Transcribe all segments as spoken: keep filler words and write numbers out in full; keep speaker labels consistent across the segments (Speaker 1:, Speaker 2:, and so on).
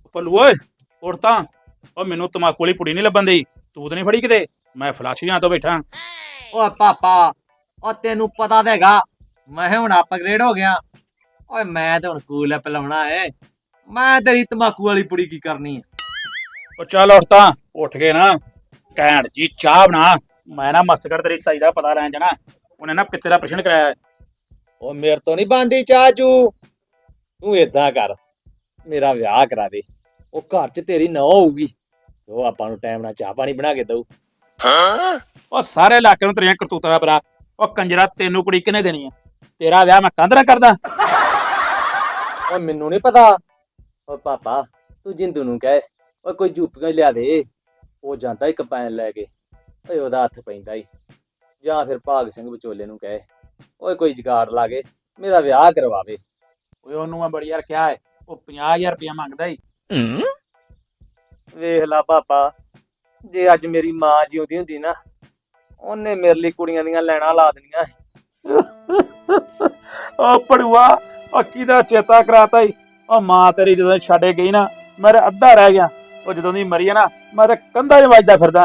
Speaker 1: ਭੱਲੂ ਓਏ ਉੱਠ ਤਾਂ। ਉਹ ਮੈਨੂੰ ਤਮਾਕੂ ਵਾਲੀ ਪੁੜੀ ਨਹੀਂ ਲੱਭਣ ਦੀ। ਤੂੰ ਤਾਂ ਨਹੀਂ ਫੜੀ ਕਿਤੇ? ਮੈਂ ਫਲਾਸ਼ੀਆਂ ਤੋਂ ਬੈਠਾ।
Speaker 2: ਓਏ ਪਾਪਾ ਉਹ ਤੈਨੂੰ ਪਤਾ ਤਾਂ ਹੈਗਾ ਮੈਂ ਹੁਣ ਅਪਗ੍ਰੇਡ ਹੋ ਗਿਆ। ਓਏ ਮੈਂ ਤਾਂ ਹੁਣ ਕੂਲ ਐਪ ਲਾਉਣਾ ਏ। ਮੈਂ ਤੇਰੀ ਤਮਾਕੂ ਵਾਲੀ ਪੁੜੀ ਕੀ ਕਰਨੀ ਆ।
Speaker 1: ਉਹ ਚੱਲ ਉੱਠ ਤਾਂ। ਉੱਠ ਕੇ ਨਾ ਘੈਂਟ ਜੀ ਚਾਹ ਬਣਾ। ਮੈਂ ਨਾ ਮਸਤਕੜ ਤੇਰੀ ਤਾਈ ਦਾ ਪਤਾ ਲੈਣ ਜਾਣਾ। ਉਹਨੇ ਨਾ ਪਿੱਤੇ ਦਾ ਪ੍ਰਸ਼ਨ ਕਰਾਇਆ।
Speaker 2: ਉਹ ਮੇਰੇ ਤੋਂ ਨਹੀਂ ਬਣਦੀ ਚਾਹ ਚੂ। ਤੂੰ ਏਦਾਂ ਕਰ ਮੇਰਾ ਵਿਆਹ ਕਰਾ ਦੇ। ਉਹ ਘਰ 'ਚ ਤੇਰੀ ਨੌ ਹੋਊਗੀ ਉਹ ਆਪਾਂ ਨੂੰ ਟਾਈਮ ਨਾਲ ਚਾਹ ਪਾਣੀ ਬਣਾ ਕੇ ਦਊ।
Speaker 1: ਉਹ ਸਾਰੇ ਇਲਾਕੇ ਨੂੰ ਤੇਰੀਆਂ ਕਰਤੂਤਾਂ ਦਾ ਪਤਾ। ਉਹ ਕੰਜਰਾ ਤੈਨੂੰ ਕੁੜੀ ਕਿਹਨੇ ਦੇਣੀ ਆ? ਤੇਰਾ ਵਿਆਹ ਮੈਂ ਕੰਧ ਨਾਲ ਕਰਦਾ।
Speaker 2: ਓਏ ਮੈਨੂੰ ਨਹੀਂ ਪਤਾ। ਓ ਪਾਪਾ ਤੂੰ ਜਿੰਦੂ ਨੂੰ ਕਹਿ ਓਏ ਕੋਈ ਜੂਪੀਆਂ ਲਿਆ ਦੇ। ਉਹ ਜਾਂਦਾ ਹੀ ਕੰਪੈਨ ਲੈ ਕੇ। ਓਏ ਉਹਦਾ ਹੱਥ ਪੈਂਦਾ ਹੀ। ਜਾਂ ਫਿਰ ਭਾਗ ਸਿੰਘ ਵਿਚੋਲੇ ਨੂੰ ਕਹੇ ਓਏ ਕੋਈ ਜੁਗਾੜ ਲਾ ਕੇ ਮੇਰਾ ਵਿਆਹ ਕਰਵਾਵੇ।
Speaker 1: ਓਏ ਉਹਨੂੰ ਮੈਂ ਬੜੀ ਯਾਰ ਕਿਹਾ ਹੈ। ਉਹ ਪੰਜਾਹ ਹਜ਼ਾਰ ਰੁਪਇਆ ਮੰਗਦਾ ਈ।
Speaker 2: ਵੇਖ ਲਾ ਪਾਪਾ ਜੇ ਅੱਜ ਮੇਰੀ ਮਾਂ ਜਿਉਂਦੀ ਹੁੰਦੀ ਨਾ ਉਹਨੇ ਮੇਰੇ ਲਈ ਕੁੜੀਆਂ ਦੀਆਂ ਲੈਣਾ ਲਾ ਦੇਣੀਆਂ।
Speaker 1: ਉਹ ਪੜੂਆ ਉਹ ਕਿਹਦਾ ਚੇਤਾ ਕਰਾਤਾ ਈ। ਉਹ ਮਾਂ ਤੇਰੀ ਜਦੋਂ ਛੱਡੇ ਗਈ ਨਾ ਮੇਰਾ ਅੱਧਾ ਰਹਿ ਗਿਆ। ਉਹ ਜਦੋਂ ਦੀ ਮਰੀ ਆ ਨਾ ਮੈਂ ਤਾਂ ਕੰਧਾਂ 'ਚ ਵੱਜਦਾ ਫਿਰਦਾ।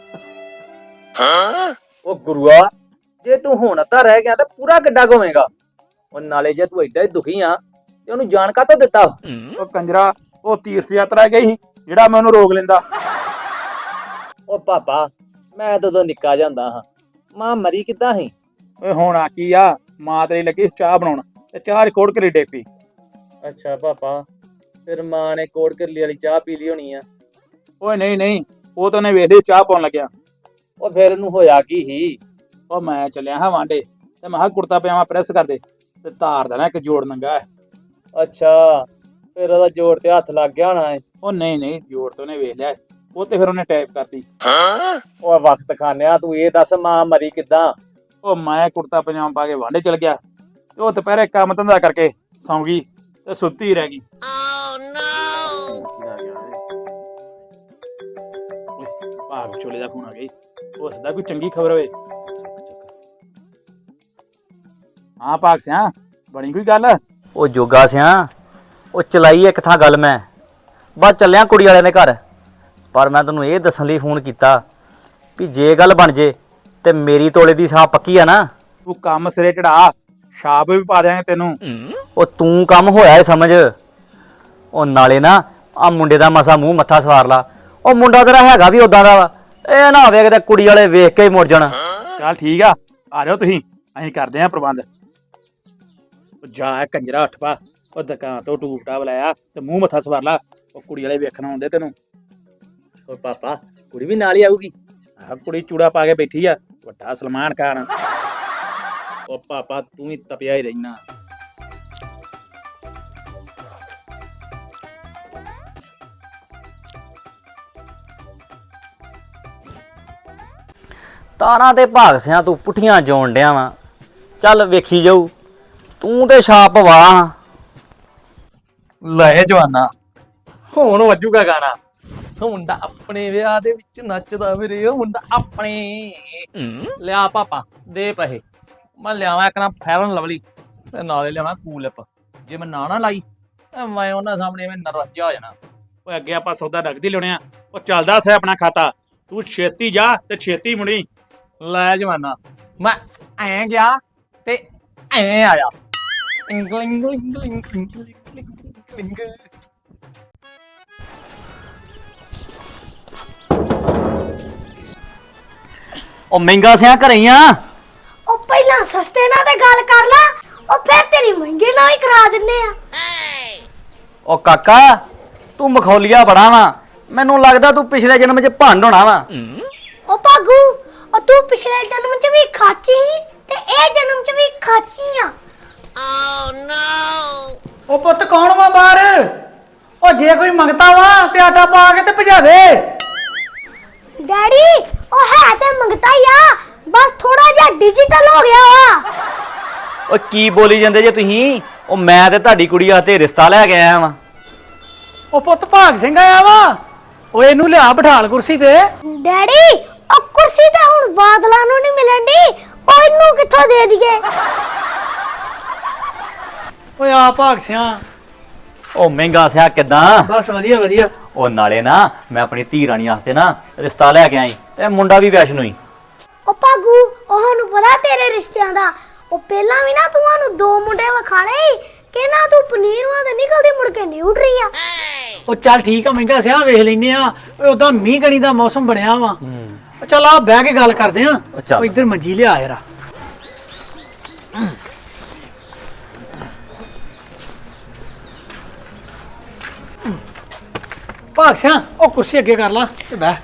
Speaker 2: ਉਹ ਗੁਰੂਆ ਜੇ ਤੂੰ ਹੁਣ ਅੱਧਾ ਰਹਿ ਗਿਆ ਤਾਂ ਪੂਰਾ ਕਿੱਡਾ ਘੁੰਮੇਗਾ। ਉਹ ਨਾਲੇ ਜੇ ਤੂੰ ਐਡਾ ਹੀ ਦੁਖੀ ਆ ਤੇ ਉਹਨੂੰ ਜਾਣ ਕਾਹਤੋਂ ਦਿੱਤਾ?
Speaker 1: ਉਹ ਕੰਜਰਾ ਉਹ ਤੀਰਥ ਯਾਤਰਾ ਗਈ ਸੀ ਜਿਹੜਾ ਮੈਂ ਉਹਨੂੰ ਰੋਕ ਲੈਂਦਾ।
Speaker 2: ਉਹ ਪਾਪਾ ਮੈਂ ਤਾਂ ਉਦੋਂ ਨਿੱਕਾ ਜਾਂਦਾ ਹਾਂ। ਮਾਂ ਮਰੀ ਕਿੱਦਾਂ ਸੀ?
Speaker 1: ਓਏ ਹੁਣ ਆ ਕੀ ਆ? ਮਾਂ ਤੇਰੀ ਲੱਗੀ ਚਾਹ ਬਣਾਉਣ ਤੇ ਚਾਹ ਰਿਕਾਰਡ ਕਰੀ ਡੇ ਪਈ।
Speaker 2: ਅੱਛਾ ਪਾਪਾ ਫਿਰ ਮਾਂ ਨੇ ਕੋੜ ਕਰਲੀ ਵਾਲੀ ਚਾਹ ਪੀ ਲਈ ਹੋਣੀ ਆ।
Speaker 1: ਓਏ ਨਹੀਂ ਨਹੀਂ ਉਹ ਤਾਂ ਉਹਨੇ ਵੇਖ ਲਈ ਚਾਹ ਪਾਉਣ ਲੱਗਿਆ।
Speaker 2: ਉਹ ਫਿਰ ਉਹਨੂੰ ਹੋਇਆ ਕੀ ਸੀ?
Speaker 1: ਉਹ ਮੈਂ ਚੱਲਿਆ ਹਾਂ ਵਾਂਡੇ ਤੇ ਮੈਂ ਕਿਹਾ ਕੁੜਤਾ ਪਜਾਮਾ ਪ੍ਰੈਸ ਕਰ ਦੇ ਤੇ ਧਾਰ ਦੇਣਾ ਇੱਕ ਜੋੜ ਨੰਗਾ।
Speaker 2: ਅੱਛਾ ਫਿਰ ਉਹਦਾ ਜੋੜ ਤੇ ਹੱਥ ਲੱਗ ਗਿਆ ਹੋਣਾ ਏ।
Speaker 1: ਉਹ ਨਹੀਂ ਨਹੀਂ ਜੋੜ ਤੋਂ ਉਹਨੇ ਵੇਖ ਲਿਆ। ਉਹ ਤੇ ਫਿਰ ਉਹਨੇ ਟਾਈਪ ਕਰਤੀ।
Speaker 2: ਉਹ ਵਕਤ ਖਾਨਿਆ ਤੂੰ ਇਹ ਦੱਸ ਮਾਂ ਮਰੀ ਕਿੱਦਾਂ?
Speaker 1: ਉਹ ਮੈਂ ਕੁੜਤਾ ਪਜਾਮਾ ਪਾ ਕੇ ਵਾਂਡੇ ਚਲ ਗਿਆ ਤੇ ਉਹ ਦੁਪਹਿਰੇ ਕੰਮ ਧੰਦਾ ਕਰਕੇ ਸੌਂ ਗਈ ਤੇ ਸੁੱਤੀ ਰਹਿ ਗਈ। ਭਾਗ ਚੋਲੇ ਦਾ ਫੋਨ ਆ ਗਿਆ। ਹੋ ਸਕਦਾ ਕੋਈ ਚੰਗੀ ਖਬਰ ਹੋਵੇ। ਹਾਂ ਭਾਗ ਸਿਆ ਬਣੀ ਕੋਈ ਗੱਲ?
Speaker 3: ਉਹ ਜੋਗਾ ਸਿਆ ਉਹ ਚਲਾਈ ਇੱਕ ਥਾਂ ਗੱਲ ਮੈਂ ਬਸ ਚੱਲਿਆ ਕੁੜੀ ਵਾਲਿਆਂ ਦੇ ਘਰ। ਪਰ ਮੈਂ ਤੈਨੂੰ ਇਹ ਦੱਸਣ ਲਈ ਫੋਨ ਕੀਤਾ ਵੀ ਜੇ ਗੱਲ ਬਣ ਜੇ ਤੇ ਮੇਰੀ ਤੋਲੇ ਦੀ ਸਾਹ ਪੱਕੀ ਆ ਨਾ।
Speaker 1: ਤੂੰ ਕੰਮ ਸਿਰੇ ਚੜਾ ਛਾਪ ਵੀ ਪਾ ਦਿਆਂਗੇ ਤੈਨੂੰ।
Speaker 3: ਉਹ ਤੂੰ ਕੰਮ ਹੋਇਆ ਏ ਸਮਝ। ਉਹ ਨਾਲੇ ਨਾ ਆ ਮੁੰਡੇ ਦਾ ਮਸਾ ਮੂੰਹ ਮੱਥਾ ਸਵਾਰ ਲਾ। ਉਹ ਮੁੰਡਾ ਤੇਰਾ ਹੈਗਾ ਵੀ ਉਦਾਂ ਦਾ ਵਾ। ਇਹ ਨਾ ਹੋਵੇ ਕਿਤੇ ਕੁੜੀ ਵਾਲੇ ਵੇਖ ਕੇ ਹੀ ਮੁੜ ਜਾਣ।
Speaker 1: ਚੱਲ ਠੀਕ ਆ ਆ ਜਾਓ ਤੁਸੀਂ ਅਸੀਂ ਕਰਦੇ ਆਂ ਪ੍ਰਬੰਧ। ਜਾ ਕੰਜਰਾ ਉੱਠ ਪਾ। ਉਹ ਦੁਕਾਨ ਤੋਂ ਟੂਪ ਟਾਪ ਲਾਇਆ ਤੇ ਮੂੰਹ ਮੱਥਾ ਸਵਾਰ ਲਾ। ਉਹ ਕੁੜੀ ਵਾਲੇ ਵੇਖਣ ਆਉਂਦੇ ਤੈਨੂੰ।
Speaker 2: ਉਹ ਪਾਪਾ ਕੁੜੀ ਵੀ ਨਾਲ ਹੀ ਆਊਗੀ?
Speaker 1: ਆਹ ਕੁੜੀ ਚੂੜਾ ਪਾ ਕੇ ਬੈਠੀ ਆ ਵੱਡਾ ਸਲਮਾਨ ਖਾਨ।
Speaker 2: ਉਹ ਪਾਪਾ ਤੂੰ ਹੀ ਤਪਿਆ ਹੀ ਰਹਿਣਾ।
Speaker 3: ਤਾਰਾਂ ਤੇ ਭਾਗ ਸਿਆ ਤੂੰ ਪੁੱਠੀਆਂ ਜੋਣ ਡਿਆ ਵਾ। ਚੱਲ ਵੇਖੀ ਜਾਊ ਤੂੰ ਤੇ ਛਾਪ ਵਾਹ।
Speaker 2: ਲੈ ਜਵਾਨਾ ਹੁਣ ਵੱਜੂਗਾ ਗਾਣਾ। ਮੁੰਡਾ ਆਪਣੇ ਵਿਆਹ ਦੇ ਵਿੱਚ ਨੱਚਦਾ ਵੀਰੇ ਉਹ ਮੁੰਡਾ ਆਪਣੇ। ਲਿਆ ਪਾਪਾ ਦੇ ਪੈਸੇ ਮੈਂ ਲਿਆਵਾਂ ਇੱਕ ਨਾ ਫੈਰਨ ਲਵਲੀ ਤੇ ਨਾਲੇ ਲਿਆਵਾਂ ਕੂਲ ਲਿਪ। ਜੇ ਮੈਂ ਨਾ ਨਾ ਲਾਈ ਤੇ ਮੈਂ ਉਹਨਾਂ ਸਾਹਮਣੇ ਮੈਂ ਨਰਵਸ ਜਿਹਾ ਹੋ ਜਾਣਾ।
Speaker 1: ਓਏ ਅੱਗੇ ਆਪਾਂ ਸੌਦਾ ਡੱਕਦੀ ਲਿਆਉਣੇ ਆ। ਉਹ ਚੱਲਦਾ ਉੱਥੇ ਆਪਣਾ ਖਾਤਾ। ਤੂੰ ਛੇਤੀ ਜਾ ਤੇ ਛੇਤੀ ਮੁੜੀ।
Speaker 2: ਲੈ ਜਵਾਨਾ ਮੈਂ ਐਂ ਗਿਆ ਤੇ ਐਂ ਆਇਆ।
Speaker 3: ਉਹ ਮਹਿੰਗਾ ਸਿਆ ਘਰੇ ਹੀ ਆ।
Speaker 4: ਉਹ ਪਹਿਲਾਂ ਸਸਤੇ ਨਾਲ ਤੇ ਗੱਲ ਕਰ ਲਾ। ਉਹ ਫਿਰ ਤੇਰੀ ਮਹਿੰਗੇ ਨਾਲ ਹੀ ਕਰਾ ਦਿੰਨੇ ਆ।
Speaker 3: ਉਹ ਕਾਕਾ ਤੂੰ ਮਖੌਲੀਆ ਬੜਾ ਵਾ। ਮੈਨੂੰ ਲੱਗਦਾ ਤੂੰ ਪਿਛਲੇ ਜਨਮ 'ਚ ਭੰਡ ਹੋਣਾ ਵਾ।
Speaker 4: ਉਹ ਭਾਗੂ ਉਹ ਤੂੰ ਪਿਛਲੇ ਜਨਮ 'ਚ ਵੀ ਖਾਚੀ ਸੀ ਤੇ ਇਹ ਜਨਮ 'ਚ ਵੀ ਖਾਚੀ ਆ।
Speaker 5: ਉਹ ਪੁੱਤ ਕੌਣ ਵਾ ਬਾਹਰ? ਉਹ ਜੇ ਕੋਈ ਮੰਗਤਾ ਵਾ ਤੇ ਆਟਾ ਪਾ ਕੇ ਤੇ ਭਜਾ ਦੇ।
Speaker 4: ਡੈਡੀ ਉਹ ਹੈ ਤੇ ਮੰਗਤਾ ਹੀ ਆ ਬਸ ਥੋੜਾ ਜਿਹਾ ਡਿਜੀਟਲ ਹੋ ਗਿਆ ਵਾ।
Speaker 3: ਉਹ ਕੀ ਬੋਲੀ ਜਾਂਦੇ ਜੇ ਤੁਸੀਂ? ਉਹ ਮੈਂ ਤੇ ਤੁਹਾਡੀ ਕੁੜੀ ਵਾਸਤੇ ਰਿਸ਼ਤਾ ਲੈ ਕੇ ਆਇਆ ਵਾਂ।
Speaker 5: ਉਹ ਪੁੱਤ ਭਾਗ ਸਿੰਘ ਆਇਆ ਵਾ। ਉਹ ਇਹਨੂੰ ਲਿਆ ਬਿਠਾਲ ਕੁਰਸੀ ਤੇ।
Speaker 4: ਡੈਡੀ ਉਹ ਕੁਰਸੀ ਤਾਂ ਹੁਣ ਬਾਦਲਾਂ ਨੂੰ ਨਹੀਂ ਮਿਲਣ ਦੀ। ਉਹ ਇਹਨੂੰ ਕਿੱਥੋਂ ਦੇ ਦਈਏ?
Speaker 5: ਓਏ ਆ ਭਾਗ ਸਿਆ
Speaker 3: ਉਹ ਮਹਿੰਗਾ ਸਿਆ ਕਿਦਾਂ?
Speaker 5: ਬਸ ਵਧੀਆ ਵਧੀਆ।
Speaker 3: ਉਹ ਨਾਲੇ ਨਾ ਮੈਂ ਆਪਣੀ ਧੀ ਰਾਣੀ ਵਾਸਤੇ ਨਾ ਰਿਸ਼ਤਾ ਲੈ ਕੇ ਆਈ ਤੇ ਮੁੰਡਾ ਵੀ ਵੈਸ਼ਨੂ ਹੀ।
Speaker 4: ਉਹ ਭਾਗੂ ਉਹ ਸਾਨੂੰ ਪਤਾ ਤੇਰੇ ਰਿਸ਼ਤਿਆਂ ਦਾ। ਉਹ ਪਹਿਲਾਂ ਵੀ ਨਾ ਤੂੰ ਸਾਨੂੰ ਦੋ ਮੁੰਡੇ ਵਿਖਾ ਲਏ ਕਿ ਨਾ ਤੂੰ ਪਨੀਰ ਵਾਂ ਤੇ ਨਿਕਲਦੀ ਮੁੜ ਕੇ ਨਿਊਟਰੀ ਆ।
Speaker 5: ਉਹ ਚੱਲ ਠੀਕ ਆ ਮਹਿੰਗਾ ਸਿਆ ਵੇਖ ਲੈਨੇ ਆ। ਉਦਾਂ ਮੀਂਹ ਕਣੀ ਦਾ ਮੌਸਮ ਬਣਿਆ ਵਾ।
Speaker 3: ਹੂੰ
Speaker 5: ਚੱਲ ਆ ਬਹਿ ਕੇ ਗੱਲ ਕਰਦੇ ਆ।
Speaker 3: ਚੱਲ।
Speaker 5: ਉਹ ਇੱਧਰ ਮੰਜੀ ਲਿਆ ਯਾਰ। ਭਾਗ ਸਿਆ ਉਹ ਕੁਰਸੀ ਅੱਗੇ ਕਰ ਲਾ ਤੇ ਬਹਿ।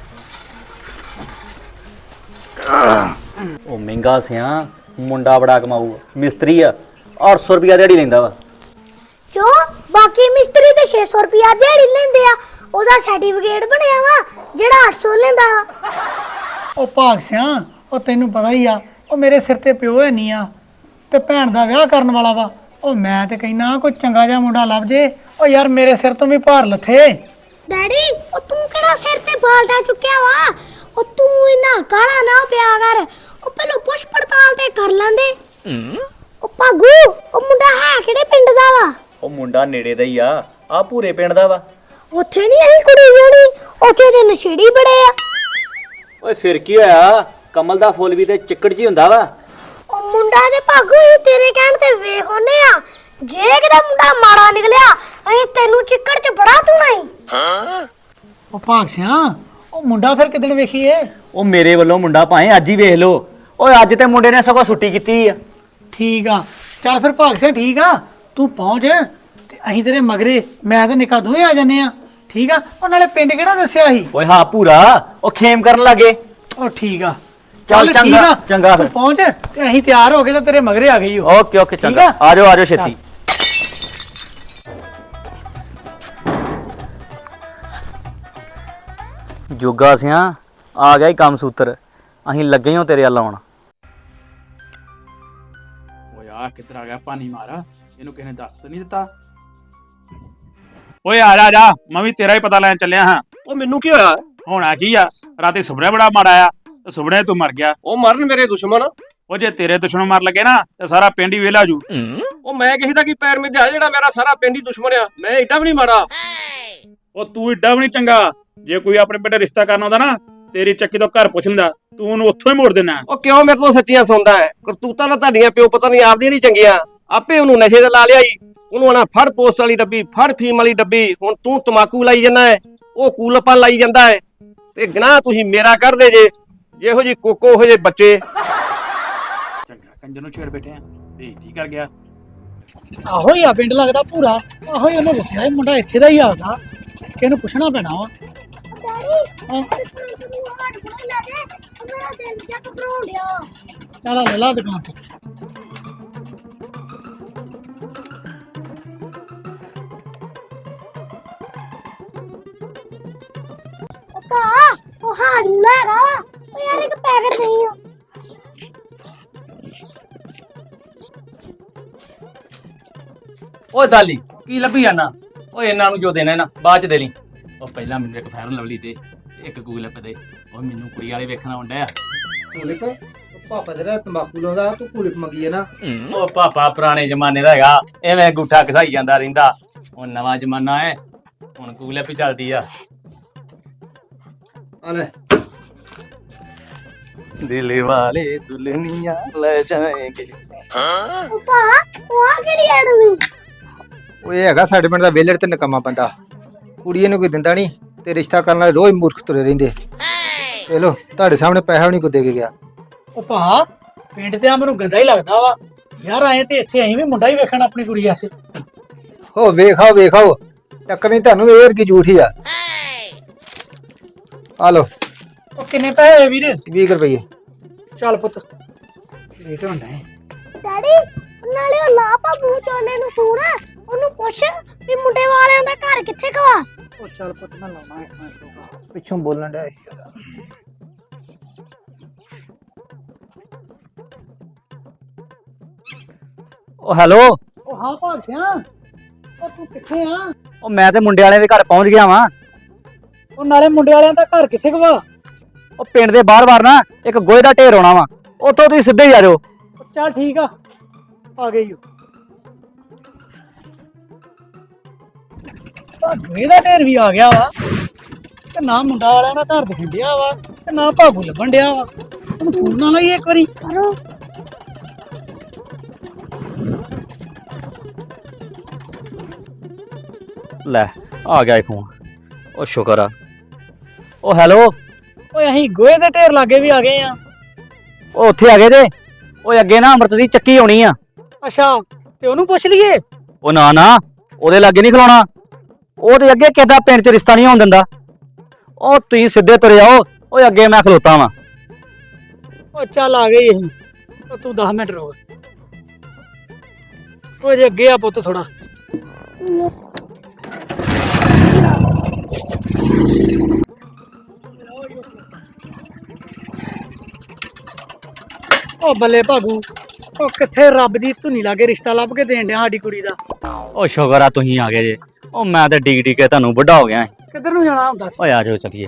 Speaker 3: ਉਹ ਮਹਿੰਗਾ ਸਿਆ ਮੁੰਡਾ ਬੜਾ ਕਮਾਊ ਮਿਸਤਰੀ ਆ ਅੱਠ ਸੌ ਰੁਪਿਆ ਦਿਹਾੜੀ ਲੈਂਦਾ ਵਾ।
Speaker 4: ਕਿਉਂ ਬਾਕੀ ਮਿਸਤਰੀ ਤੇ ਛੇ ਸੌ ਰੁਪਿਆ ਦਿਹਾੜੀ ਲੈਂਦੇ ਆ। ਉਹਦਾ ਸਰਟੀਫਿਕੇਟ ਬਣਿਆ ਵਾ ਜਿਹੜਾ ਅੱਠ ਸੌ ਲੈਂਦਾ ਵਾ।
Speaker 5: ਉਹ ਭਾਗ ਸਿਆ ਉਹ ਤੈਨੂੰ ਪਤਾ ਹੀ ਆ ਉਹ ਮੇਰੇ ਸਿਰ ਤੇ ਪਿਓ ਹੈ ਨਹੀਂ ਆ ਤੇ ਭੈਣ ਦਾ ਵਿਆਹ ਕਰਨ ਵਾਲਾ ਵਾ। ਉਹ ਮੈਂ ਤੇ ਕਹਿਣਾ ਕੋਈ ਚੰਗਾ ਜਿਹਾ ਮੁੰਡਾ ਲੱਭ ਜੇ। ਉਹ ਯਾਰ ਮੇਰੇ ਸਿਰ ਤੋਂ ਵੀ ਭਾਰ ਲੱਥੇ।
Speaker 4: ਡੈਡੀ ਉਹ ਤੂੰ ਕਿਹੜਾ ਸਿਰ ਤੇ ਬਾਲਟਾ ਚੁੱਕਿਆ ਵਾ। ਉਹ ਤੂੰ ਇੰਨਾ ਕਾਲਾ ਨਾ ਪਿਆ ਕਰ। ਉਹ ਪਹਿਲਾਂ ਪੁੱਛ ਪੜਤਾਲ ਤੇ ਕਰ ਲੈਂਦੇ। ਉਹ ਭਾਗੂ ਉਹ ਮੁੰਡਾ ਹੈ ਕਿਹੜੇ ਪਿੰਡ ਦਾ ਵਾ।
Speaker 3: ਉਹ ਮੁੰਡਾ ਨੇੜੇ ਦਾ ਹੀ ਆ ਆ ਪੂਰੇ ਪਿੰਡ ਦਾ ਵਾ।
Speaker 4: ਉੱਥੇ ਨਹੀਂ ਆਈ ਕੁੜੀ ਜਿਹੜੀ ਉੱਥੇ ਦੇ ਨਸ਼ੇੜੀ ਬੜੇ ਆ।
Speaker 3: ਓਏ ਫਿਰ ਕੀ ਹੋਇਆ ਕਮਲ ਦਾ ਫੁੱਲ ਵੀ ਤੇ ਚਿੱਕੜ ਜੀ ਹੁੰਦਾ ਵਾ।
Speaker 4: ਉਹ ਮੁੰਡਾ ਤੇ ਭਾਗੂ ਇਹ ਤੇਰੇ ਕਹਿਣ ਤੇ ਵੇਖ ਉਹਨੇ ਆ। ਜੇ ਕਿਤੇ ਮੁੰਡਾ ਮਾੜਾ ਨਿਕਲਿਆ ਅਸੀਂ ਤੈਨੂੰ ਚਿੱਕੜ 'ਚ ਬੜਾ ਧੁਣਾਈ।
Speaker 5: ਉਹ ਭਾਗ ਸਿਆ ਉਹ ਮੁੰਡਾ ਫਿਰ ਕਿਦਣ ਵੇਖੀਏ।
Speaker 3: ਉਹ ਮੇਰੇ ਵੱਲੋਂ ਮੁੰਡਾ ਭਾਵੇਂ ਅੱਜ ਹੀ ਵੇਖ ਲੋ। ਓਏ ਅੱਜ ਤੇ ਮੁੰਡੇ ਨੇ ਸਗੋਂ ਛੁੱਟੀ ਕੀਤੀ ਆ।
Speaker 5: ਠੀਕ ਆ ਚੱਲ ਫਿਰ ਭਾਗ ਸਿਆ ਠੀਕ ਆ ਤੂੰ ਪਹੁੰਚ ਤੇ ਅਸੀਂ ਤੇਰੇ ਮਗਰੇ ਮੈਂ ਤੇ ਨਿੱਕਾ ਦੋਵੇਂ ਆ ਜੰਨੇ ਆ। ਠੀਕ ਆ ਉਹ ਨਾਲੇ ਪਿੰਡ ਕਿਹੜਾ ਦੱਸਿਆ ਸੀ।
Speaker 3: ਓਏ ਹਾਂ ਪੂਰਾ ਉਹ ਖੇਮ ਕਰਨ ਲੱਗੇ।
Speaker 5: ਉਹ ਠੀਕ ਆ
Speaker 3: ਚੱਲ
Speaker 5: ਠੀਕ
Speaker 3: ਚੰਗਾ
Speaker 5: ਆ,
Speaker 3: ਚੰਗਾ
Speaker 5: ਤੂੰ
Speaker 3: ਫਿਰ।
Speaker 5: ਪਹੁੰਚ ਤੇ ਅਸੀਂ ਤਿਆਰ ਹੋ ਗਏ ਤਾਂ ਤੇਰੇ ਮਗਰੇ ਆ ਗਈ।
Speaker 3: ਓਕੇ ਓਕੇ
Speaker 5: ਠੀਕ
Speaker 3: ਚੰਗਾ
Speaker 5: ਆ?
Speaker 3: ਆ ਜਾਓ ਆ ਜਾਓ ਛੇਤੀ। ਜੋਗਾ ਸਿਆ ਆ ਗਿਆ ਹੀ ਕੰਮ ਸੂਤਰ ਅਸੀਂ ਲੱਗੇ ਹਾਂ ਤੇਰੇ ਵੱਲ ਆਉਣ।
Speaker 1: ਓਏ ਆ ਕਿੱਧਰ ਆ ਗਿਆ ਪਾਣੀ ਮਾਰਾ ਇਹਨੂੰ ਕਿਸੇ ਨੇ ਦੱਸ ਤਾਂ ਨਹੀਂ ਦਿੱਤਾ। ਓਏ ਆ ਜਾ ਜਾ ਮੈਂ ਵੀ ਤੇਰਾ ਹੀ ਪਤਾ ਲੈਣ ਚੱਲਿਆ ਹਾਂ।
Speaker 2: ਉਹ ਮੈਨੂੰ ਕੀ ਹੋਇਆ?
Speaker 1: ਹੋਣਾ ਕੀ ਆ ਰਾਤੀ ਸੁਪਨੇ ਬੜਾ ਮਾੜਾ ਆ ਤੇ ਸੁਪਨੇ ਤੂੰ ਮਰ ਗਿਆ।
Speaker 2: ਉਹ ਮਰਨ ਮੇਰੇ ਦੁਸ਼ਮਣ।
Speaker 1: ਉਹ ਜੇ ਤੇਰੇ ਦੁਸ਼ਮਣ ਮਰ ਲੱਗੇ ਨਾ ਤੇ ਸਾਰਾ ਪਿੰਡ ਹੀ ਵੇਲਾ ਜੂ।
Speaker 2: ਉਹ ਮੈਂ ਕਿਸੇ ਦਾ ਕੀ ਪੈਰ ਮਿੱਧਿਆ ਜਿਹੜਾ ਮੇਰਾ ਸਾਰਾ ਪਿੰਡ ਹੀ ਦੁਸ਼ਮਣ ਆ। ਮੈਂ ਏਡਾ ਵੀ ਨਹੀਂ ਮਾੜਾ।
Speaker 1: ਉਹ ਤੂੰ ਏਡਾ ਵੀ ਨਹੀਂ ਚੰਗਾ। ਜੇ ਕੋਈ ਆਪਣੇ ਪਿੰਡ ਰਿਸ਼ਤਾ ਕਰਨਾ ਹੁੰਦਾ ਨਾ ਤੇਰੀ ਚੱਕੀ ਤੋਂ ਘਰ ਪੁੱਛ ਲੈਂਦਾ ਤੂੰ ਉਹਨੂੰ ਉੱਥੋਂ ਹੀ ਮੋੜ ਦੇਣਾ।
Speaker 2: ਉਹ ਕਿਉਂ ਮੇਰੇ ਤੋਂ ਸੱਚੀਆਂ ਸੁਣਦਾ ਹੈ? ਕਰਤੂਤਾਂ ਤਾਂ ਤੁਹਾਡੀਆਂ ਪਿਓ ਪਤਾ ਨਹੀਂ ਆਪਦੀਆਂ ਨਹੀਂ ਚੰਗੀਆਂ। ਆਪੇ ਉਹਨੂੰ ਨਸ਼ੇ ਤੇ ਲਾ ਲਿਆ ਜੀ। ਉਹਨੂੰ ਆਣਾ ਫੜ ਪੋਸਟ ਵਾਲੀ ਡੱਬੀ ਫੜ ਫੀਮ ਵਾਲੀ ਡੱਬੀ। ਹੁਣ ਤੂੰ ਤਮਾਕੂ ਲਾਈ ਜਾਂਦਾ ਹੈ ਉਹ ਕੂਲਪਾ ਲਾਈ ਜਾਂਦਾ ਹੈ ਤੇ ਗਨਾਹ ਤੁਸੀਂ ਮੇਰਾ ਕਰਦੇ ਜੇ। ਜਿਹੋ ਜੀ ਕੋਕੋ ਹੋ ਜੇ ਬੱਚੇ।
Speaker 1: ਚੰਗਾ ਕੰਜਰ ਨੂੰ ਛੇੜ ਬੈਠੇ ਆ ਬੇਇੱਜ਼ਤੀ ਕਰ ਗਿਆ।
Speaker 5: ਆਹੋ ਹੀ ਆ ਪਿੰਡ ਲੱਗਦਾ ਪੂਰਾ। ਆਹੋ ਹੀ ਉਹਨੇ ਦੱਸਿਆ ਇਹ ਮੁੰਡਾ ਇੱਥੇ ਦਾ ਹੀ ਆਉਂਦਾ ਕਿ ਇਹਨੂੰ ਪੁੱਛਣਾ ਪੈਣਾ ਵਾ।
Speaker 4: ਡੈਡੀ ਹਾਂ ਤੈਨੂੰ ਹਾਟ ਕੋਲ ਲੈ ਦੇ ਮੇਰਾ ਦਿਲ ਜਿਹਾ ਘਬਰਾਉਣ ਡਿਆ।
Speaker 5: ਚੱਲ ਆ ਲੈ ਲਾ ਦੁਕਾਨ ਤੋਂ।
Speaker 4: ਉਹ ਭਾ ਉਹ ਹਾਟ ਲੈ ਰਾ ਉਹ ਯਾਰ ਇੱਕ ਪੈਕਟ ਨਹੀਂ ਆ।
Speaker 2: ਓਏ ਦਾਲੀ ਕੀ ਲੱਭੀ ਜਾਣਾ? ਓਏ ਇਹਨਾਂ ਨੂੰ ਜੋ ਦੇਣਾ ਨਾ ਬਾਅਦ ਚ ਦੇ ਲਈ। ਉਹ ਪਹਿਲਾਂ ਮੈਨੂੰ ਇੱਕ ਫੈਰਨ ਲਵਲੀ ਦੇ ਇੱਕ ਗੂਗਲ ਪੇ ਦੇ। ਉਹ ਮੈਨੂੰ ਕੁੜੀ ਵਾਲੇ ਵੇਖਣਾ ਹੁੰਦਾ ਆ।
Speaker 6: ਕੁਲਿਪ ਪਾਪਾ ਤੇਰਾ ਤੰਬਾਕੂ ਲਾਉਂਦਾ ਤੂੰ ਕੁਲਿਪ ਮੰਗੀ ਹੈ ਨਾ।
Speaker 2: ਉਹ ਪਾਪਾ ਪੁਰਾਣੇ ਜ਼ਮਾਨੇ ਦਾ ਹੈਗਾ ਐਵੇਂ ਅੰਗੂਠਾ ਘਸਾਈ ਜਾਂਦਾ ਰਹਿੰਦਾ। ਹੁਣ ਨਵਾਂ ਜ਼ਮਾਨਾ ਹੈ ਹੁਣ ਗੂਗਲ ਪੇ ਚੱਲਦੀ ਆ।
Speaker 6: ਆ ਲੈ
Speaker 2: ਦਿਲ ਵਾਲੇ ਦੁਲਨੀਆਂ ਲੈ ਜਾਏਂਗੇ।
Speaker 4: ਉਹ ਭਾ ਉਹ ਆ ਕਿਹੜੀ ਐਡਮੀ।
Speaker 6: ਉਹ ਇਹ ਹੈਗਾ ਸਾਡੇ ਪਿੰਡ ਦਾ ਵੇਲੜ ਤੇ ਨਕਮਾ ਬੰਦਾ। ਕੁੜੀ ਇਹਨੂੰ ਕੋਈ ਦਿੰਦਾ ਨਹੀਂ ਤੇ ਰਿਸ਼ਤਾ ਕਰਨ ਵਾਲੇ ਰੋਜ਼ ਮੂਰਖ ਤੁਰੇ ਰਹਿੰਦੇ। ਵੇ ਲੋ ਤੁਹਾਡੇ ਸਾਹਮਣੇ ਪੈਸਾ ਵੀ ਨਹੀਂ ਕੋ ਦੇ ਕੇ ਗਿਆ।
Speaker 5: ਉਹ ਭਾ ਪਿੰਡ ਤੇ ਆ ਮੈਨੂੰ ਗੰਦਾ ਹੀ ਲੱਗਦਾ ਵਾ ਯਾਰ। ਆਏ ਤੇ ਇੱਥੇ ਅਸੀਂ ਵੀ ਮੁੰਡਾ ਹੀ ਵੇਖਣ ਆਪਣੀ ਕੁੜੀ ਵਾਸਤੇ।
Speaker 6: ਹੋ ਵੇਖਾਓ ਵੇਖਾਓ ਚੱਕਰ ਨਹੀਂ ਤੁਹਾਨੂੰ ਏਰ ਕੀ ਝੂਠੀ ਆ। ਆ ਲੋ
Speaker 5: ਉਹ ਕਿੰਨੇ ਪੈਸੇ ਹੋਏ ਵੀਰ?
Speaker 6: ਵੀਹ ਰੁਪਏ।
Speaker 5: ਚੱਲ ਪੁੱਤ ਰੇਟ ਹੁੰਦਾ ਹੈ।
Speaker 4: ਡੈਡੀ ਨਾਲੇ ਉਹ ਲਾ ਭਾਬੂ ਚੋਲੇ ਨੂੰ ਫੋਨ ਉਹਨੂੰ ਪੁੱਛ ਵੀ ਮੁੰਡੇ ਵਾਲਿਆਂ ਦਾ ਘਰ ਕਿੱਥੇ ਕਵਾ।
Speaker 5: ਉਹ ਚੱਲ ਪੁੱਤ ਮੈਂ ਲਾਉਣਾ ਇੱਕ ਮਿੰਟ।
Speaker 6: ਪਿੱਛੋਂ ਬੋਲਣ ਡਿਆ
Speaker 3: ਉਹ ਹੈਲੋ।
Speaker 5: ਉਹ ਹਾਂ ਭਾਗ ਸਿਆ ਉਹ ਤੂੰ ਕਿੱਥੇ ਆ?
Speaker 3: ਉਹ ਮੈਂ ਤੇ ਮੁੰਡੇ ਵਾਲਿਆਂ ਦੇ ਘਰ ਪਹੁੰਚ ਗਿਆ ਵਾਂ।
Speaker 5: ਉਹ ਨਾਲੇ ਮੁੰਡੇ ਵਾਲਿਆਂ ਦਾ ਘਰ ਕਿੱਥੇ ਕਵਾ?
Speaker 3: ਉਹ ਪਿੰਡ ਦੇ ਬਾਹਰ-ਬਾਹਰ ਨਾ ਇੱਕ ਗੋਹੇ ਦਾ ਢੇਰ ਆਉਣਾ ਵਾ ਉੱਥੋਂ ਤੁਸੀਂ ਸਿੱਧੇ ਹੀ ਆ ਜਾਓ।
Speaker 5: ਚੱਲ ਠੀਕ ਆ ਆ ਗਈ। ਭਾਗੂ ਦਾ ਢੇਰ ਵੀ ਆ ਗਿਆ ਵਾ ਤੇ ਨਾ ਮੁੰਡਾ ਵਾਲਿਆਂ ਦਾ ਘਰ ਦਿਖਣ ਡਿਆ ਵਾ ਤੇ ਨਾ ਭਾਗੂ ਲੱਭਣ ਡਿਆ ਵਾ ਉਹਨੂੰ ਫੋਨ ਨਾਲ ਲਾਈਏ ਇੱਕ ਵਾਰੀ।
Speaker 4: ਕਰੋ।
Speaker 3: ਲੈ ਆ ਗਿਆ ਫੋਨ। ਉਹ ਸ਼ੁਕਰ ਆ। ਉਹ ਹੈਲੋ।
Speaker 5: ਓਏ ਅਸੀਂ ਗੋਹੇ ਦੇ ਢੇਰ ਲਾਗੇ ਵੀ ਆ ਗਏ ਆ।
Speaker 3: ਉਹ ਉੱਥੇ ਆ ਗਏ ਤੇ ਓਏ ਅੱਗੇ ਨਾ ਅੰਮ੍ਰਿਤ ਦੀ ਚੱਕੀ ਆਉਣੀ ਆ।
Speaker 5: ਅੱਛਾ ਤੇ ਉਹਨੂੰ ਪੁੱਛ ਲਈਏ।
Speaker 3: ਉਹ ਨਾ ਨਾ ਉਹਦੇ ਲਾਗੇ ਨਹੀਂ ਖਲੋਣਾ। ਉਹ ਤੇ ਅੱਗੇ ਕਿਦਾ ਪਿੰਡ 'ਚ ਰਿਸ਼ਤਾ ਨਹੀਂ ਹੋਣ ਦਿੰਦਾ। ਉਹ ਤੁਸੀਂ ਸਿੱਧੇ ਤੁਰੇ ਆਓ। ਓਏ ਅੱਗੇ ਮੈਂ ਖਲੋਤਾ ਵਾਂ।
Speaker 5: ਉਹ ਚੱਲ ਆ ਗਈ ਅਸੀਂ। ਉਹ ਤੂੰ ਦਸ ਮਿੰਟ ਰੁਕ। ਉਹ ਜੇ ਅੱਗੇ ਆ ਪੁੱਤ ਥੋੜਾ। ਉਹ ਬੱਲੇ ਭਾਗੂ ਉਹ ਕਿੱਥੇ ਰੱਬ ਦੀ ਧੁਨੀ ਲਾਗੇ ਰਿਸ਼ਤਾ ਲੱਭ ਕੇ ਦੇਣ ਡਿਆ ਸਾਡੀ ਕੁੜੀ ਦਾ।
Speaker 3: ਉਹ ਸ਼ੁਕਰ ਆ ਤੁਸੀਂ ਆ ਗਏ ਜੇ। ਉਹ ਮੈਂ ਤੇ ਡੀਕ ਡੀਕ ਕੇ ਤੁਹਾਨੂੰ ਵੱਡਾ ਹੋ ਗਿਆ।
Speaker 5: ਕਿੱਧਰ ਨੂੰ ਜਾਣਾ ਹੁੰਦਾ ਸੀ?
Speaker 3: ਓਏ ਆ ਜਾਓ ਚੱਲੀਏ।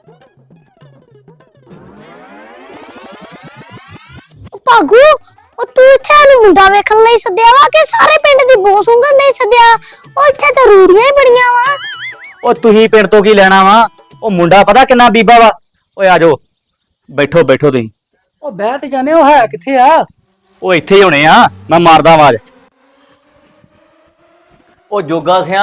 Speaker 4: ਉਹ ਭਾਗੂ ਉਹ ਤੂੰ ਇੱਥੇ ਨੂੰ ਮੁੰਡਾ ਵੇਖਣ ਲਈ ਸੱਦਿਆ ਵਾ ਕਿ ਸਾਰੇ ਪਿੰਡ ਦੀ ਬੋ ਸੁੰਘਣ ਲਈ ਸੱਦਿਆ? ਉਹ ਇੱਥੇ ਤਾਂ ਰੂੜੀਆਂ ਹੀ ਬੜੀਆਂ ਵਾ।
Speaker 3: ਉਹ ਤੁਸੀਂ ਪਿੰਡ ਤੋਂ ਕੀ ਲੈਣਾ ਵਾ? ਉਹ ਮੁੰਡਾ ਪਤਾ ਕਿੰਨਾ ਬੀਬਾ ਵਾ। ਓਏ ਆ ਜਾਓ ਬੈਠੋ ਬੈਠੋ ਤੁਸੀਂ।
Speaker 5: ਉਹ ਬਹਿ ਤੇ ਜਾਣੇ। ਉਹ ਹੈ ਕਿੱਥੇ ਆ?
Speaker 3: ਉਹ ਇੱਥੇ ਹੀ ਹੋਣੇ ਆ। ਮੈਂ ਮਾਰਦਾ ਆਵਾਜ਼। ਉਹ ਜੋਗਾ ਸਿਆ।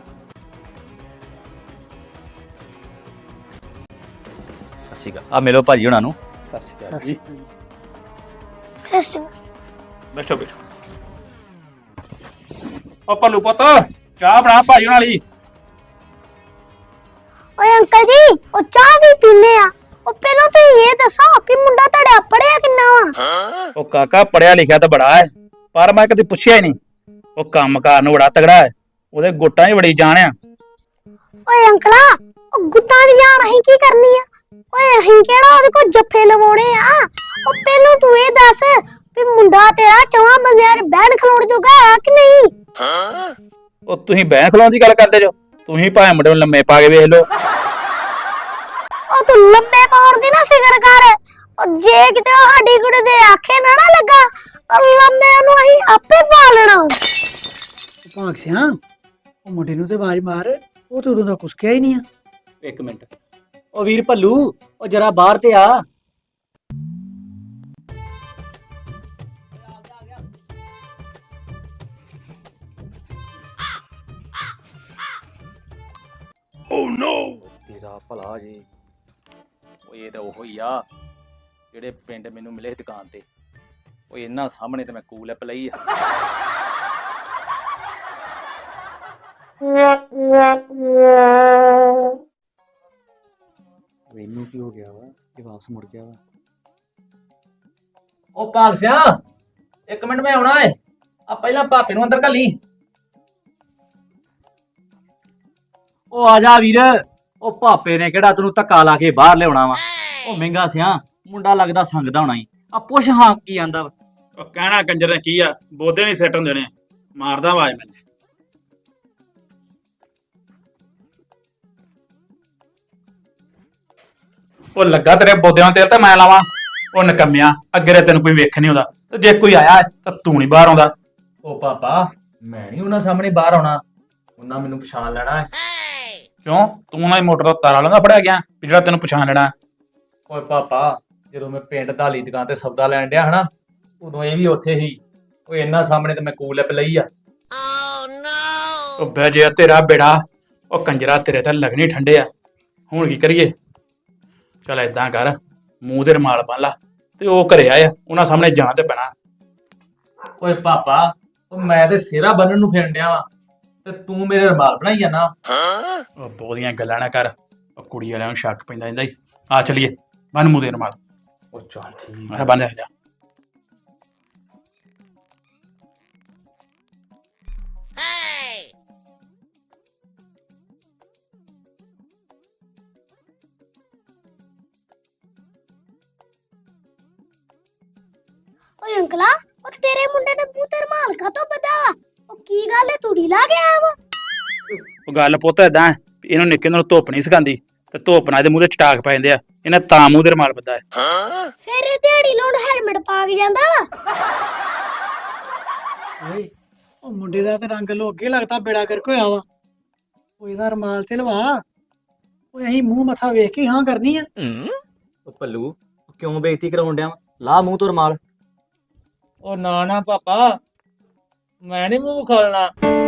Speaker 3: ਸਤਿ ਸ਼੍ਰੀ ਅਕਾਲ। ਆ ਮਿਲੋ ਭਾਜੀ ਹੁਣਾਂ ਨੂੰ।
Speaker 1: ਸਤਿ ਸ਼੍ਰੀ ਅਕਾਲ ਜੀ।
Speaker 4: ਸੱਸ
Speaker 1: ਬੈਠੋ ਬੈਠੋ। ਉਹ ਪੱਲੂ ਪੁੱਤ ਚਾਹ ਬਣਾ ਭਾਈ ਉਹਨਾਂ ਲਈ।
Speaker 4: ਓਏ ਅੰਕਲ ਜੀ ਉਹ ਚਾਹ ਵੀ ਪੀਨੇ ਆ। ਉਹ ਪਹਿਲਾਂ ਤੁਸੀਂ ਇਹ ਦੱਸੋ ਵੀ ਮੁੰਡਾ ਤੁਹਾਡਾ ਪੜਿਆ ਕਿੰਨਾ ਵਾ?
Speaker 1: ਉਹ ਕਾਕਾ ਪੜਿਆ ਲਿਖਿਆ ਤਾਂ ਬੜਾ ਹੈ, ਪਰ ਮੈਂ ਕਦੇ ਪੁੱਛਿਆ ਹੀ ਨਹੀਂ। ਉਹ ਕੰਮਕਾਰ ਨੂੰ ਬੜਾ ਤਗੜਾ ਹੈ। ਉਹਦੇ ਗੁੱਟਾਂ 'ਚ ਬੜੀ ਜਾਣ ਆ।
Speaker 4: ਓਏ ਅੰਕਲਾ ਉਹ ਗੁੱਤਾਂ ਦੀ ਜਾਨ ਅਸੀਂ ਕੀ ਕਰਨੀ ਆ? ਓਏ ਅਸੀਂ ਕਿਹੜਾ ਉਹਦੇ ਕੋਲ ਜੱਫੇ ਲਵਾਉਣੇ ਆ? ਉਹ ਪਹਿਲਾਂ ਤੂੰ ਇਹ ਦੱਸ ਵੀ ਮੁੰਡਾ ਤੇਰਾ ਚੌਹਾਂ ਬੰਦਿਆਂ ਦੇ ਬਹਿਣ ਖਲੋਣ ਜੋਗਾ ਹੈ ਕਿ ਨਹੀਂ?
Speaker 1: ਉਹ ਤੁਸੀਂ ਬਹਿ ਖਲੋਣ ਦੀ ਗੱਲ ਕਰਦੇ ਜੋ। ਤੁਸੀਂ ਭਾਵੇਂ ਮੁੰਡੇ ਨੂੰ ਲੰਮੇ ਪਾ ਕੇ ਵੇਖ ਲਓ।
Speaker 4: ਉਹ ਤੂੰ ਲੰਮੇ ਪਾਉਣ ਦੀ ਨਾ ਫਿਕਰ ਕਰ। ਉਹ ਜੇ ਕਿਤੇ ਉਹ ਸਾਡੀ ਕੁੜੀ ਦੇ ਆਖੇ ਨਾ ਨਾ ਲੱਗਾ ਉਹ ਲੰਮੇ ਨੂੰ ਅਸੀਂ ਆਪੇ ਪਾ ਲੈਣਾ।
Speaker 5: ਭਾਗ ਸਿਆ ਉਹ ਮੁੰਡੇ ਨੂੰ ਤੇ ਆਵਾਜ਼ ਮਾਰ। ਉਹ ਤੇ ਉਦੋਂ ਦਾ ਕੁਛ ਕਿਹਾ ਹੀ ਨਹੀਂ ਆ।
Speaker 3: ਇੱਕ ਮਿੰਟ। ਉਹ ਵੀਰ ਭੱਲੂ ਉਹ ਜਰਾ ਬਾਹਰ ਤੇ ਆ।
Speaker 1: ਓ ਨੋ।
Speaker 3: ਤੇਰਾ ਭਲਾ ਜੀ। ਉਹ ਇਹ ਤਾਂ ਉਹੋ ਹੀ ਆ ਜਿਹੜੇ ਪਿੰਡ ਮੈਨੂੰ ਮਿਲੇ ਦੁਕਾਨ ਤੇ। ਉਹ ਇਹਨਾਂ ਸਾਹਮਣੇ ਤੇ ਮੈਂ ਕੂਲ ਐਪ ਲਈ ਆ। ਮੈਨੂੰ ਕੀ ਹੋ ਗਿਆ ਵਾ? ਇਹ ਵਾਪਸ ਮੁੜ ਗਿਆ ਵਾ।
Speaker 2: ਉਹ ਭਾਗ ਸਿਆ ਇੱਕ ਮਿੰਟ ਮੈਂ ਆਉਣਾ ਏ। ਆ ਪਹਿਲਾਂ ਭਾਪੇ ਨੂੰ ਅੰਦਰ ਘੱਲੀ।
Speaker 3: ਉਹ ਆ ਜਾ ਵੀਰ। ਉਹ ਭਾਪੇ ਨੇ ਕਿਹੜਾ ਤੈਨੂੰ ਧੱਕਾ ਲਾ ਕੇ ਬਾਹਰ ਲਿਆਉਣਾ ਵਾ? ਉਹ ਮਹਿੰਗਾ ਸਿਆ ਮੁੰਡਾ ਲੱਗਦਾ ਸੰਗਦਾ ਹੋਣਾ ਈ। ਆ ਪੁੱਛ ਹਾਂ ਕੀ ਆਂਦਾ ਵਾ।
Speaker 1: ਉਹ ਕਹਿਣਾ ਕੰਜਰ ਨੇ ਕੀ ਆ, ਬੋਦੇ ਨਹੀਂ ਸੈੱਟ ਹੁੰਦੇ ਨੇ। ਮਾਰਦਾ ਆਵਾਜ਼ ਮੈਨੂੰ। ਉਹ ਲੱਗਾ ਤੇਰੇ ਬੋਦਿਆਂ ਨੂੰ ਤੇਲ ਤਾਂ ਮੈਂ ਲਾਵਾਂ? ਉਹ ਨਕਮਿਆ ਅੱਗੇ ਤੇ ਤੈਨੂੰ ਕੋਈ ਵੇਖ ਨਹੀਂ ਆਉਂਦਾ, ਤੇ ਜੇ ਕੋਈ ਆਇਆ ਤਾਂ ਤੂੰ ਨਹੀਂ ਬਾਹਰ ਆਉਂਦਾ।
Speaker 2: ਉਹ ਪਾਪਾ ਮੈਂ ਨਹੀਂ ਉਹਨਾਂ ਸਾਹਮਣੇ ਬਾਹਰ ਆਉਣਾ। ਉਹਨਾਂ ਮੈਨੂੰ ਪਛਾਣ ਲੈਣਾ ਹੈ।
Speaker 1: ਕਿਉਂ ਤੂੰ ਨਾ ਮੋਟਰ ਦਾ ਤਾਰਾ ਲਾਉਂਦਾ ਫੜਿਆ ਗਿਆ ਵੀ ਜਿਹੜਾ ਤੈਨੂੰ ਪਛਾਣ ਲੈਣਾ?
Speaker 2: ਓਏ ਪਾਪਾ ਜਦੋਂ ਮੈਂ ਪਿੰਡ ਢਾਲੀ ਦੁਕਾਨ ਤੇ ਸੌਦਾ ਲੈਣ ਡਿਆ ਹਨਾ ਉਦੋਂ ਇਹ ਵੀ ਉੱਥੇ ਹੀ। ਓਏ ਇਹਨਾਂ ਸਾਹਮਣੇ ਤੇ ਮੈਂ ਕੂਲ ਐਪ ਲਈ ਆ।
Speaker 1: ਉਹ ਬਹਿ ਜੇ ਤੇਰਾ ਬੇੜਾ। ਉਹ ਕੰਜਰਾ ਤੇਰੇ ਤਾਂ ਲੱਗਣੀ ਠੰਡੇ ਆ। ਹੁਣ ਕੀ ਕਰੀਏ? ਚੱਲ ਏਦਾਂ ਕਰ, ਮੂੰਹ ਦੇ ਰੁਮਾਲ ਬੰਨ ਲਾ ਤੇ ਉਹ ਘਰੇ ਆਇਆ, ਉਹਨਾਂ ਸਾਹਮਣੇ ਜਾਣਾ ਤੇ ਪੈਣਾ।
Speaker 2: ਓਏ ਪਾਪਾ ਉਹ ਮੈਂ ਤੇ ਸਿਹਰਾ ਬੰਨਣ ਨੂੰ ਫਿਰਨ ਡਿਆ ਵਾਂ ਤੇ ਤੂੰ ਮੇਰੇ ਰੁਮਾਲ ਬਣਾਈ ਜਾਣਾ।
Speaker 1: ਉਹ ਬਹੁਤੀਆਂ ਗੱਲਾਂ ਨਾ ਕਰ। ਉਹ ਕੁੜੀ ਵਾਲਿਆਂ ਨੂੰ ਸ਼ੱਕ ਪੈਂਦਾ ਜਾਂਦਾ ਹੀ। ਆ ਚਲੀਏ ਬੰਨ ਮੂੰਹ ਦੇ ਰੁਮਾਲ।
Speaker 2: ਉਹ ਚੱਲ ਠੀਕ
Speaker 1: ਮੈਂ ਬੰਨ ਜਾ।
Speaker 4: ਓਏ ਅੰਕਲਾ ਉਹ ਤੇਰੇ ਮੁੰਡੇ ਨੇ ਮੂੰਹ ਤੇ ਰੁਮਾਲ ਕਾਤੋਂ ਬੱਧਾ? ਉਹ ਕੀ ਗੱਲ ਹੈ ਤੂੜੀ ਲਾ ਗਿਆ ਵਾ?
Speaker 1: ਉਹ ਗੱਲ ਪੁੱਤ ਏਦਾਂ ਹੈ, ਇਹਨੂੰ ਨਿੱਕੇ ਨੂੰ ਧੁੱਪ ਨਹੀਂ ਸਿਖਾਉਂਦੀ ਤੇ ਧੁੱਪ ਨਾਲ ਇਹਦੇ ਮੂੰਹ ਤੇ ਚਟਾਕ ਪੈ ਜਾਂਦੇ ਆ। ਇਹਨੇ ਤਾਂ ਮੂੰਹ ਦੇ ਰੁਮਾਲ ਬੱਧਾ ਹੈ।
Speaker 4: ਫਿਰ ਇਹ ਦਿਹਾੜੀ ਲਾਉਣ ਹੈਲਮਟ ਪਾ ਕੇ ਜਾਂਦਾ।
Speaker 5: ਓਏ ਉਹ ਮੁੰਡੇ ਦਾ ਤੇ ਰੰਗ ਲੋ ਅੱਗੇ ਲੱਗਦਾ ਬੇੜਾ ਕਰਕੇ ਹੋਇਆ ਵਾ। ਉਹ ਇਹਦਾ ਰਮਾਲ ਤੇ ਲਵਾ। ਓਏ ਅਸੀਂ ਮੂੰਹ ਮੱਥਾ ਵੇਖ ਕੇ ਹਾਂ ਕਰਨੀ ਆ।
Speaker 3: ਉਹ ਪੱਲੂ ਕਿਉਂ ਬੇਇੱਜ਼ਤੀ ਕਰਾਉਣ ਡਿਆ ਵਾਂ? ਲਾ ਮੂੰਹ ਤੋਂ ਰਮਾਲ।
Speaker 2: ਉਹ ਨਾ ਨਾ ਪਾਪਾ, ਮੈਂ ਨਹੀਂ ਮੂੰਹ ਖਾਲਣਾ।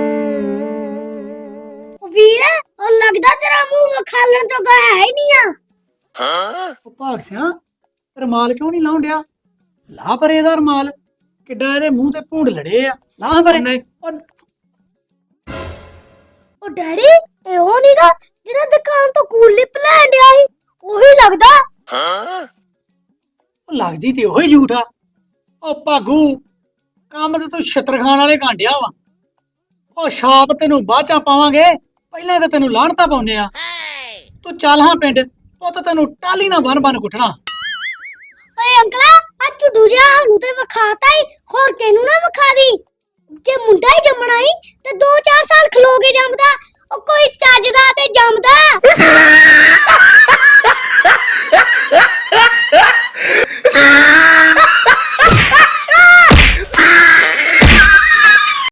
Speaker 4: ਉਹ ਵੀਰ ਉਹ ਲੱਗਦਾ ਤੇਰਾ ਮੂੰਹ ਵਿਖਾਲਣ ਜੋਗਾ ਹੈ ਹੀ ਨਹੀਂ ਆ।
Speaker 5: ਉਹ ਭਾਗ ਸਿਆ ਰਮਾਲ ਕਿਉਂ ਨਹੀਂ ਲਾਉਣ ਡਿਆ? ਲਾ ਪਰੇ ਇਹਦਾ ਰਮਾਲ। ਕਿੱਡਾ ਇਹਦੇ ਮੂੰਹ ਤੇ ਭੂੰਡ ਲੜੇ ਆ। ਲਾ ਪਰੇ।
Speaker 2: ਨਹੀਂ
Speaker 4: ਉਹ ਡੈਡੀ ਇਹ ਉਹ ਨੀਗਾ ਜਿਹੜਾ ਦੁਕਾਨ ਤੋਂ ਕੂਲ ਲਿਪ ਲੈਣ ਡਿਆ ਸੀ? ਉਹੀ ਲੱਗਦਾ।
Speaker 5: ਉਹ ਲੱਗਦੀ ਤੇ ਉਹੀ ਝੂਠਾ। ਉਹ ਭਾਗੂ ਕੰਮ ਤੇ ਤੂੰ ਛਿੱਤਰ ਖਾਣ ਵਾਲੇ ਕਾਂਡਿਆ ਵਾ। ਉਹ ਛਾਪ ਤੈਨੂੰ ਬਾਅਦ ਚ ਪਾਵਾਂਗੇ, ਪਹਿਲਾਂ ਤਾਂ ਤੈਨੂੰ ਲਾਹਣਤਾ ਪਾਉਨੇ ਆ। ਤੂੰ ਚੱਲ ਹਾਂ ਪਿੰਡ, ਪੁੱਤ ਤੈਨੂੰ ਟਾਲੀ ਨਾ ਬਨ ਬਨ ਕੁੱਟਣਾ।
Speaker 4: ਓਏ ਅੰਕਲਾ ਆ ਝੁੱਡੂ ਜਿਹਾ ਸਾਨੂੰ ਤੇ ਵਿਖਾਤਾ ਹੀ, ਹੋਰ ਕਿਹਨੂੰ ਨਾ ਵਿਖਾ ਦੀ। ਜੇ ਮੁੰਡਾ ਹੀ ਜੰਮਣਾ ਹੀ ਤੇ ਦੋ ਚਾਰ ਸਾਲ ਖਲੋ ਕੇ ਜੰਮਦਾ